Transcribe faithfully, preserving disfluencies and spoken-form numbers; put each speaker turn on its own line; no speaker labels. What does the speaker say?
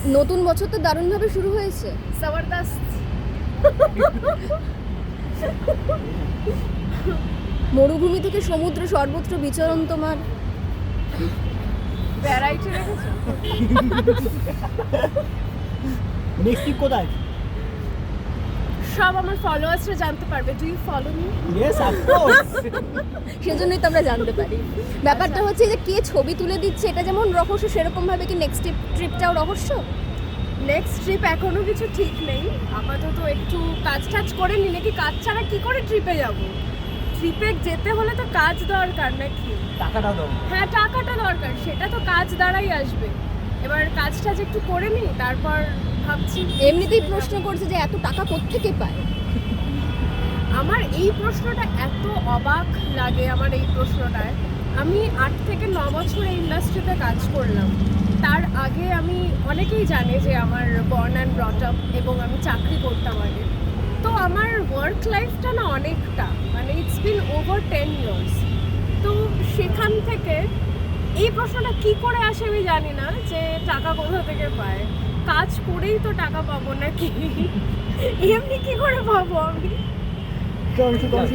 নতুন বছর তো দারুণভাবে শুরু হয়েছে।
জবরদস্ত।
মরুভূমি থেকে সমুদ্র সর্বত্র বিচরণ তোমার।
ভ্যারাইটি রেখেছো।
নেক্সট ট্রিপ কোথায়?
সব আমার ফলোয়ার্সরা জানতে পারবে। Do you follow me?
Yes of course.
সেজন্যই তো আমরা জানতে পারি। ব্যাপারটা হচ্ছে যে কে ছবি তুলে দিচ্ছে এটা যেমন রহস্য, সেরকম ভাবে কি নেক্সট ট্রিপটাও রহস্য?
নেক্সট ট্রিপ এখনো কিছু ঠিক নেই, আপাতত একটু কাজ টাজ করে নি। নাকি কাজ ছাড়া কি করে ট্রিপে যাব? ট্রিপে যেতে হলে তো কাজ দরকার নাকি?
টাকাটা দাও।
হ্যাঁ, টাকাটা দরকার, সেটা তো কাজ দ্বারাই আসবে। এবার কাজ টাজ একটু করে নি, তারপর ভাবছি।
এমনিতেই প্রশ্ন করছে যে এত টাকা কোত্থেকে পায়।
আমার এই প্রশ্নটা এত অবাক লাগে, আমার এই প্রশ্নটায়। আমি আট থেকে ন বছর এই ইন্ডাস্ট্রিতে কাজ করলাম। তার আগে আমি, অনেকেই জানে যে আমার বর্ন অ্যান্ড ব্রট আপ, এবং আমি চাকরি করতাম আগে। তো আমার ওয়ার্ক লাইফটা না অনেকটা, মানে it's been over ten years. তো সেখান থেকে এই প্রশ্নটা কি করে আসে আমি জানি না, যে টাকা কোথা থেকে পায়। কাজ করেই তো টাকা পাবো নাকি? এমনি কি করে পাবো আমি?